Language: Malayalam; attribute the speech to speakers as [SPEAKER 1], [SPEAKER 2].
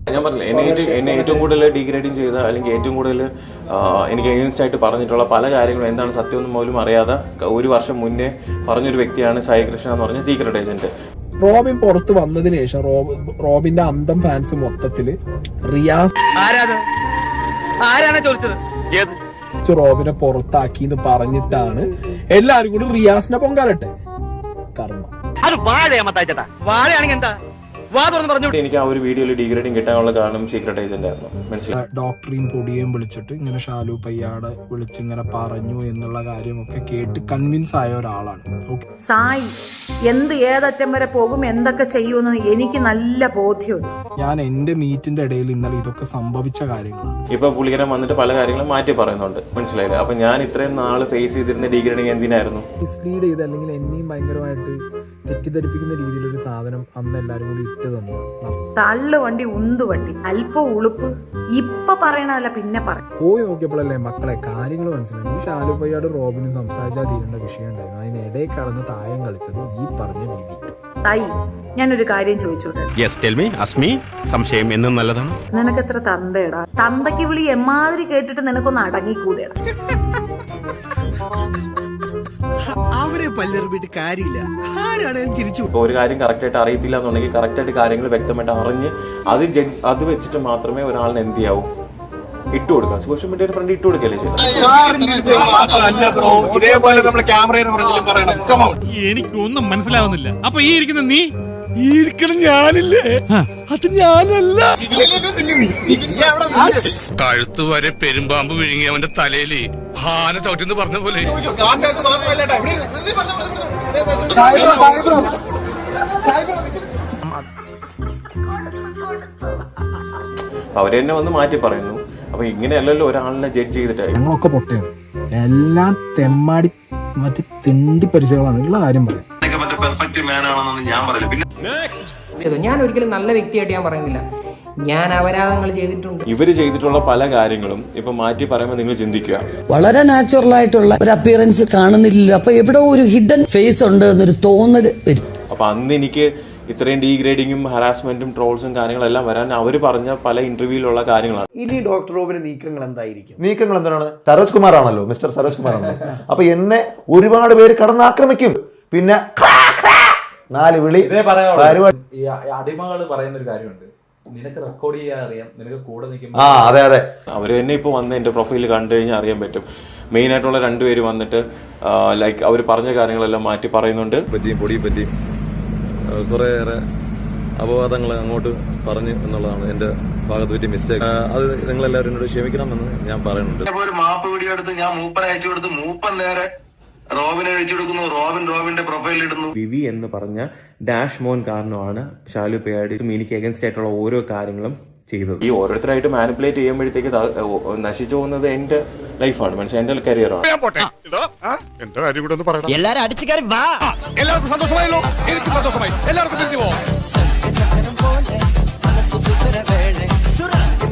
[SPEAKER 1] ഞാൻ പറഞ്ഞില്ല, എന്നെ ഏറ്റവും കൂടുതൽ ഡീഗ്രേഡിങ് ചെയ്ത അല്ലെങ്കിൽ ഏറ്റവും കൂടുതൽ എനിക്ക് എഗെയിൻസ്റ്റ് ആയിട്ട് പറഞ്ഞിട്ടുള്ള പല കാര്യങ്ങളും എന്താണ് സത്യമൊന്നും പോലും അറിയാതെ 1 വർഷം മുന്നേ പറഞ്ഞൊരു വ്യക്തിയാണ് സായി കൃഷ്ണ എന്ന് പറഞ്ഞ സീക്രട്ട് ഏജന്റ്.
[SPEAKER 2] റോബിൻ പുറത്ത് വന്നതിന് ശേഷം റോബിന്റെ അന്തം ഫാൻസ് മൊത്തത്തില് റിയാസ് റോബിനെ പുറത്താക്കി എന്ന് പറഞ്ഞിട്ടാണ് എല്ലാരും കൂടി റിയാസിനെ പൊങ്കാലട്ടെ. കർമ്മ
[SPEAKER 1] എനിക്ക് ആ ഒരു വീഡിയോയിൽ ഡീഗ്രേഡിങ് കിട്ടാനുള്ള കാരണം സീക്രട്ട് ഏജന്റ് ആയിരുന്നു. മനസ്സിലായി.
[SPEAKER 2] ഡോക്ടറെയും പൊടിയേയും വിളിച്ചിട്ട് ഇങ്ങനെ ഷാലു പയ്യാട് വിളിച്ച് ഇങ്ങനെ പറഞ്ഞു എന്നുള്ള കാര്യമൊക്കെ കേട്ട് കൺവിൻസ് ആയ ഒരാളാണ്
[SPEAKER 3] സായി. ഏതറ്റം വരെ പോകും, എന്തൊക്കെ ചെയ്യുമെന്ന് എനിക്ക് നല്ല ബോധ്യമുണ്ട്.
[SPEAKER 2] ഞാൻ എന്റെ മീറ്റിന്റെ ഇടയിൽ ഇന്നലെ ഇതൊക്കെ സംഭവിച്ച കാര്യങ്ങളാണ്.
[SPEAKER 1] ഇപ്പൊ പുള്ളിക്കാരൻ വന്നിട്ട് പല കാര്യങ്ങളും മാറ്റി പറയുന്നുണ്ട്. മനസ്സിലായില്ലേ? അപ്പൊ ഞാൻ ഇത്രയും നാള് ഫേസ് ചെയ്തിരുന്ന ഡീഗ്രേഡിങ് എന്തിനായിരുന്നു?
[SPEAKER 2] മിസ്ലീഡ് ചെയ്ത് അല്ലെങ്കിൽ എന്നെയും ഭയങ്കരമായിട്ട് തെറ്റിദ്ധരിപ്പിക്കുന്ന രീതിയിലൊരു സാധനം അന്ന് എല്ലാരും കൂടി ഇട്ട് തന്നു.
[SPEAKER 3] തള്ളു വണ്ടി ഉന്തു വണ്ടി അല്പം ഉളുപ്പ് ഇപ്പൊ പറയണതല്ല പിന്നെ പറയും.
[SPEAKER 2] പോയി നോക്കിയപ്പോഴല്ലേ മക്കളെ കാര്യങ്ങൾ മനസ്സിലായി. ഈ ഷാലു പയ്യാട് റോബിനും സംസാരിച്ചാൽ തീരേണ്ട വിഷയം ഉണ്ടായിരുന്നു. അതിനിടയിൽ കടന്ന് തായം കളിച്ചത് ഈ പറഞ്ഞ വിവി.
[SPEAKER 3] സായി, ഞാനൊരു കാര്യം ചോദിച്ചോട്ടെ?
[SPEAKER 4] സംശയം എന്നും നല്ലതാണ്.
[SPEAKER 3] നിനക്ക് എത്ര തന്തയടാ? തന്തയ്ക്ക് വിളി എമ്മാതിരി കേട്ടിട്ട് നിനക്കൊന്ന് അടങ്ങിക്കൂടെടാ?
[SPEAKER 5] അവരെ പല്ലെറിഞ്ഞിട്ട് കാര്യമില്ല. ആരാണേലും ചിരിച്ചു.
[SPEAKER 1] ഇപ്പൊ ഒരു കാര്യം കറക്റ്റ് ആയിട്ട് അറിയത്തില്ല എന്നുണ്ടെങ്കിൽ കറക്റ്റ് ആയിട്ട് കാര്യങ്ങൾ വ്യക്തമായിട്ട് അറിഞ്ഞ് അത് വെച്ചിട്ട് മാത്രമേ ഒരാളിന് എന്ത് ചെയ്യാവൂ, ഇട്ട് കൊടുക്കാം. സോഷ്യൽ മീഡിയയുടെ ഫ്രണ്ട് ഇട്ട് കൊടുക്കല്ലേ ചെയ്തത്.
[SPEAKER 5] ഇതേപോലെ നമ്മൾ ക്യാമറയിൽ പറയണം.
[SPEAKER 4] എനിക്കൊന്നും മനസ്സിലാവുന്നില്ല. അപ്പൊ ഈ ഇരിക്കുന്ന നീ
[SPEAKER 5] ഞാനില്ലേ? അത് ഞാനല്ല.
[SPEAKER 4] കഴുത്ത് വരെ പെരുമ്പാമ്പ് വിഴുങ്ങി അവന്റെ തലയില് ഹാന ചവിട്ടിന്ന് പറഞ്ഞ പോലെ.
[SPEAKER 1] അവരെന്നെ വന്ന് മാറ്റി പറയുന്നു. അപ്പൊ ഇങ്ങനെയല്ലല്ലോ ഒരാളിനെ ജഡ്ജ് ചെയ്തിട്ട്.
[SPEAKER 2] ഞങ്ങളൊക്കെ പൊട്ടയാണ്, എല്ലാം തെമ്മാടി മറ്റു തിണ്ടി പരിചയങ്ങളാണ് ഉള്ള കാര്യം പറയാം.
[SPEAKER 6] ഞാൻ ഒരിക്കലും നല്ല വ്യക്തിയായിട്ട് ഞാൻ പറയുന്നില്ല. ഞാൻ അപരാധങ്ങൾ ചെയ്തിട്ടുണ്ട്.
[SPEAKER 1] ഇവര് ചെയ്തിട്ടുള്ള പല കാര്യങ്ങളും ഇപ്പൊ മാറ്റി പറയുമ്പോൾ നിങ്ങൾ ചിന്തിക്കുക.
[SPEAKER 7] വളരെ നാച്ചുറൽ ആയിട്ടുള്ള ഒരു അപ്പിയറൻസ് കാണുന്നില്ല. അപ്പൊ എവിടെ ഒരു ഹിഡൻ ഫേസ് ഉണ്ട് എന്നൊരു തോന്നൽ വരും.
[SPEAKER 1] അപ്പൊ അന്ന് എനിക്ക് ഇത്രയും ഡീഗ്രേഡിങ്ങും ഹറാസ്മെന്റും ട്രോൾസും കാര്യങ്ങളെല്ലാം വരാൻ അവര് പറഞ്ഞ പല ഇന്റർവ്യൂയിലുള്ള കാര്യങ്ങളാണ്.
[SPEAKER 5] ഇനി ഡോക്ടർ റോബിന് നീക്കങ്ങൾ എന്തായിരിക്കും?
[SPEAKER 8] നീക്കങ്ങൾ എന്താണ്? സരോജ് കുമാർ ആണല്ലോ, മിസ്റ്റർ സരോജ് കുമാർ ആണല്ലോ. അപ്പൊ എന്നെ ഒരുപാട് പേര് കടന്നാക്രമിക്കും. പിന്നെ 4 വിളി.
[SPEAKER 9] ഈ അടിമകൾ പറയുന്ന ഒരു കാര്യമുണ്ട്, നിനക്ക് റെക്കോർഡ് ചെയ്യാൻ അറിയാം, നിനക്ക് കൂടെ നിൽക്കുമ്പോൾ.
[SPEAKER 8] അതെ അതെ,
[SPEAKER 1] അവര് തന്നെ ഇപ്പൊ വന്ന് എന്റെ പ്രൊഫൈൽ കണ്ടു കഴിഞ്ഞാൽ അറിയാൻ പറ്റും. മെയിൻ ആയിട്ടുള്ള 2 പേര് വന്നിട്ട് ലൈക്ക് അവർ പറഞ്ഞ കാര്യങ്ങളെല്ലാം മാറ്റി പറയുന്നുണ്ട്.
[SPEAKER 8] പൊടിയും പറ്റിയും കുറേയേറെ അപവാദങ്ങൾ അങ്ങോട്ട് പറഞ്ഞു എന്നുള്ളതാണ് എന്റെ ഭാഗത്ത് പറ്റിയ മിസ്റ്റേക്ക്. അത് നിങ്ങളെല്ലാവരും എന്നോട് ക്ഷമിക്കണമെന്ന് ഞാൻ പറയുന്നുണ്ട്.
[SPEAKER 10] ഒരു മാപ്പ് വീഡിയോ എടുത്ത് ഞാൻ മൂപ്പനെ അയച്ചു കൊടുത്ത് മൂപ്പൻ നേരെ റോബിനെ അഴിച്ചു കൊടുക്കുന്നു. റോബിന്റെ പ്രൊഫൈൽ ഇടുന്നു.
[SPEAKER 1] വിവി എന്ന് പറഞ്ഞ ഡാഷ് മോൻ കാരണമാണ് ഷാലു പയ്യാടി എനിക്ക് എഗൻസ്റ്റ് ആയിട്ടുള്ള ഓരോ കാര്യങ്ങളും ചെയ്തത്. ഈ ഓരോരുത്തരായിട്ട് മാനിപ്പുലേറ്റ് ചെയ്യുമ്പോഴത്തേക്ക് നശിച്ചു പോകുന്നത് എന്റെ ലൈഫാണ്, മനസ്സിലായി, എന്റെ കരിയറാണ്.
[SPEAKER 4] എല്ലാരും അടിച്ചു കയറി വാ. എല്ലാവർക്കും സന്തോഷമായല്ലോ? എനിക്ക് സന്തോഷമായി. എല്ലാവർക്കും